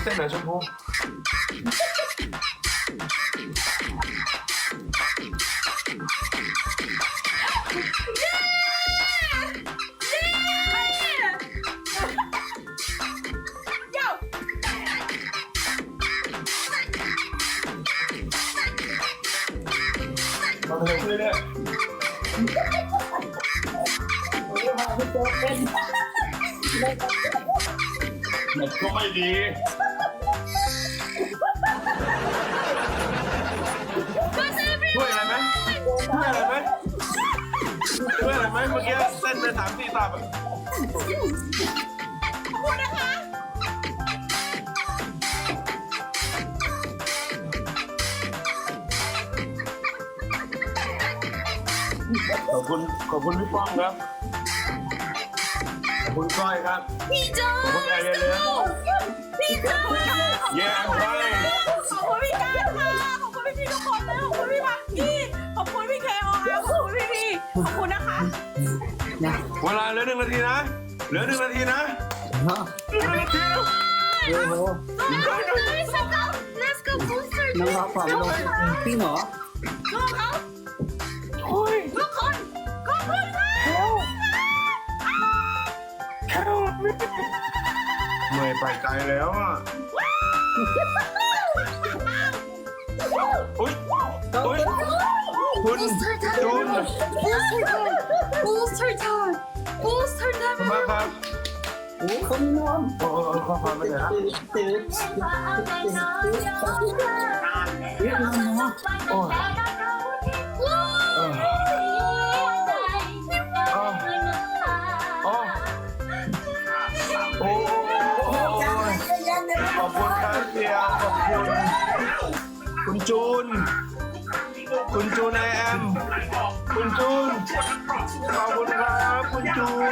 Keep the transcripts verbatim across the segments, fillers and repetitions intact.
เต้นหน่อยชมพูมาเร็วเรื่อยๆมันก็ไม่ดีช่วยอะไรไหมช่วยอะไรไหมช่วยอะไรไหมเมื่อกี้เต้นไปสามสี่ตับอ่ะขอบคุณขอบคุณพี่ป้องครับขอบคุณก้อยครับพี่จอขอบคุณแอร์เรียพี่จอแย่ไปขอบคุณพี่การค่ะขอบคุณพี่พี่ทุกคนนะขอบคุณพี่พักกี้ขอบคุณพี่เคออาร์ขอบคุณพี่พี่ขอบคุณนะคะเวลาเหลือหนึ่งนาทีนะเหลือหนึ่งนาทีนะเหลือหนึ่งนาทีนะโอ้โห Let's go Let's go booster น้องรับผอมลงพี่หมอลูกเขาโอ้ยทุกคนขอบคุณค่ะเหนื่อยไปไกลแล้วอ่ะอุ้ยอุ้ยคุณจูน Booster time Booster time มาครับโอ้เขาไม่นอนโอ้โหข้อความไม่ได้นะตื่นเรียกน้องเนาะโอ้ยเออโอ้โอ้ขอบคุณครับเพียขอบคุณคุณจูนคุณจูนไอแอมคุณจูนขอบคุณครับคุณจูน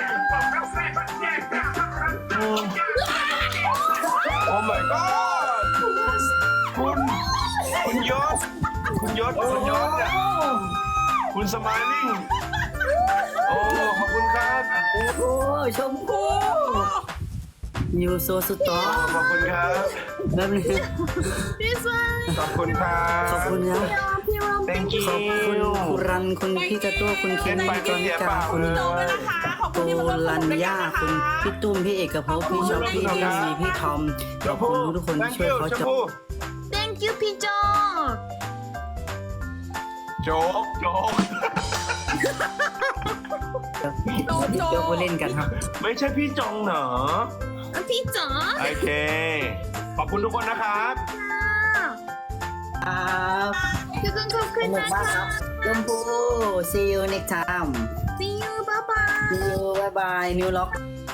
อืมโอ้ my god คุณคุณยศคุณยศคุณยศเนี่ยคุณสมายลิ่งโอ้ขอบคุณครับโอ้โหชมพู่ยูโซสตอขอบคุณครับแบบนี้ This one ขอบคุณครับขอบคุณนะพี่รอม thank you ขอบคุณคุณรันคุณพี่ตะตัวคุณเคนพี่จอนิกาคุณโตด้วยนะคะขอบโกคุณที่มาร่วมสลันุนกด้วยกัย่านนะคะคุณพี่ตุ้มพี่เอกภพพี่ชอบพี่พี่มีพี่ทอมขอบคุณทุกคนที่ thank ช่วย you เขาชมจับพู่ Thank you พี่จอโจ๊กโจ๊กเดี๋ยวไปเล่นกันครับไม่ใช่พี่จงเหรอพี่จอโอเค ขอบคุณทุกคนนะครับครับทุกคนขอบคุณนะคะชมพู่ see you next time See you bye bye see you bye bye new lock